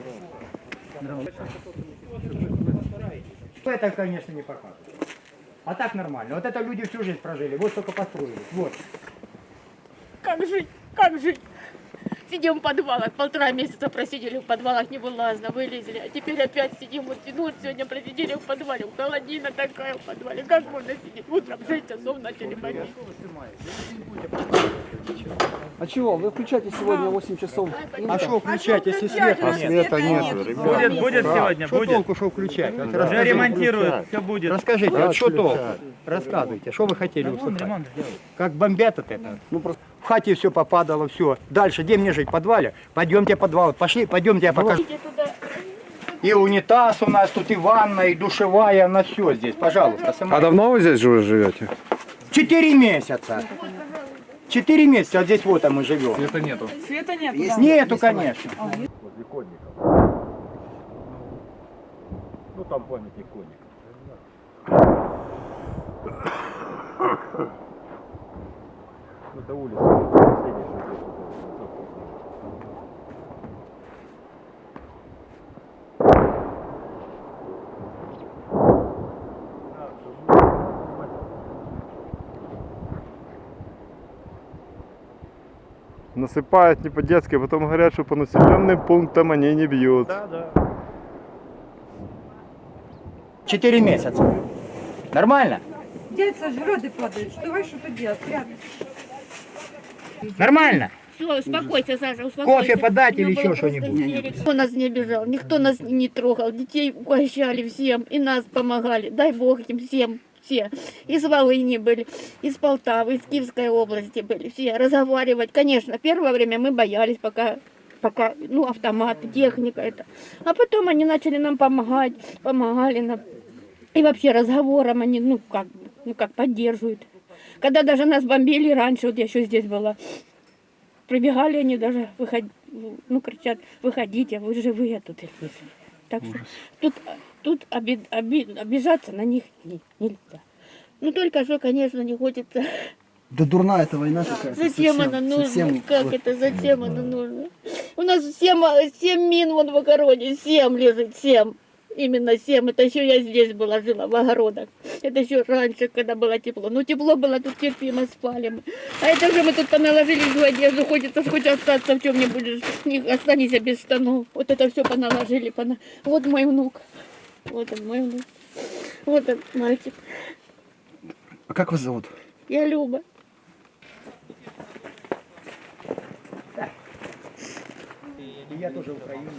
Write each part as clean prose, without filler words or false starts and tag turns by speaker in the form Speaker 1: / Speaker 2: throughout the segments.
Speaker 1: Это, конечно, не показывает. А так нормально. Вот это люди всю жизнь прожили, вот только построили. Вот.
Speaker 2: Как жить? Как жить? Сидим в подвалах, 1,5 месяца просидели в подвалах, невылазно, вылезли. А теперь опять сидим, вот сегодня просидели в подвале, холодина такая в подвале. Как можно сидеть? Утром в 6 часов начали болеть.
Speaker 3: А чего? Вы включаете сегодня 8 часов?
Speaker 1: А что включать, если света нет?
Speaker 4: Света нет, ребят.
Speaker 5: Будет сегодня,
Speaker 1: Что
Speaker 5: будет.
Speaker 1: толку, что включать? Вот
Speaker 5: Уже
Speaker 1: расскажите.
Speaker 5: ремонтируют, все будет.
Speaker 1: Расскажите, вот что толку? Рассказывайте, что вы хотели услышать?
Speaker 5: Ремонт сделают.
Speaker 1: Как бомбят от этого?
Speaker 3: Ну просто
Speaker 1: В хате все попадало, все. Дальше, где мне жить? В подвале? Пойдемте в подвал. Пошли, пойдемте, я покажу.
Speaker 2: Идите туда.
Speaker 1: И унитаз у нас тут, и ванна, и душевая, на все здесь. Пожалуйста, сама.
Speaker 4: А давно вы здесь уже живете?
Speaker 1: 4 месяца. 4 месяца, а здесь вот мы живем.
Speaker 5: Света нету.
Speaker 2: Света нет.
Speaker 1: Нету, конечно.
Speaker 4: Возле конников. Ну там памятник конников. Ну это улица. Последняя, что здесь насыпают не по-детски, а потом говорят, что по населенным пунктам они не бьют.
Speaker 5: Да, да.
Speaker 1: 4 месяца. Нормально?
Speaker 6: Дядь сожрет падает. Давай что-то делать. Прятаться.
Speaker 1: Нормально?
Speaker 2: Все, успокойся, Саша, успокойся.
Speaker 1: Кофе подать
Speaker 2: У меня
Speaker 1: или
Speaker 2: была
Speaker 1: еще
Speaker 2: просто
Speaker 1: что-нибудь?
Speaker 2: истерика. Никто нас не обижал, никто нас не трогал, детей угощали всем, и нас помогали. Дай Бог им всем, все. Из Волыни были, из Полтавы, из Киевской области были, все. Разговаривать, конечно, первое время мы боялись, пока ну, автоматы, техника это. А потом они начали нам помогать, помогали нам. И вообще разговором они, ну как поддерживают. Когда даже нас бомбили раньше, вот я еще здесь была, прибегали они даже, кричат, выходите, вы живые тут. Так что тут обижаться на них нельзя. Ну только что, конечно, не хочется.
Speaker 3: да дурная эта война какая-то.
Speaker 2: Зачем
Speaker 3: совсем,
Speaker 2: она нужна?
Speaker 3: совсем
Speaker 2: Как
Speaker 3: вот.
Speaker 2: это? Зачем она нужна? У нас 7 мин вон в огороде, 7 лежит, 7. Именно 7. Это еще я здесь была, жила в огородах. Это еще раньше, когда было тепло. Ну тепло было, тут терпимо спали мы. А это же мы тут поналожили в одежду, хочется хоть остаться в чем-нибудь, не останься без штанов. Вот это все поналожили. Вот мой внук. Вот он, мой внук. Вот он, мальчик.
Speaker 3: А как вас зовут?
Speaker 2: Я Люба.
Speaker 1: Я тоже украинец.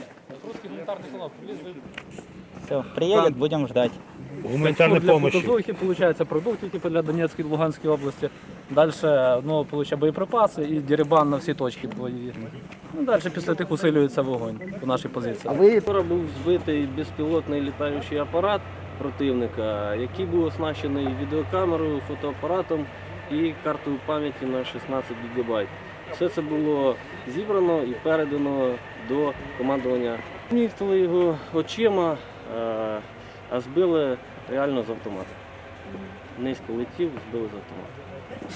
Speaker 7: Все, приедет, будем ждать.
Speaker 5: Гуманитарной помощи. Получается, продукты типа для Донецкой и Луганской области. Дальше, ну, получается, боєприпаси і дерибан на всі точки бойові. Ну, далі після тих усилюється вогонь по нашій позиції.
Speaker 3: А ви
Speaker 8: Вчора був збитий безпілотний літаючий апарат противника, який був оснащений відеокамерою, фотоапаратом і картою пам'яті на 16 ГБ. Все це було зібрано і передано до командування. Ніхто його очима, а збили реально з автомата. Низько летів, збили з автомата.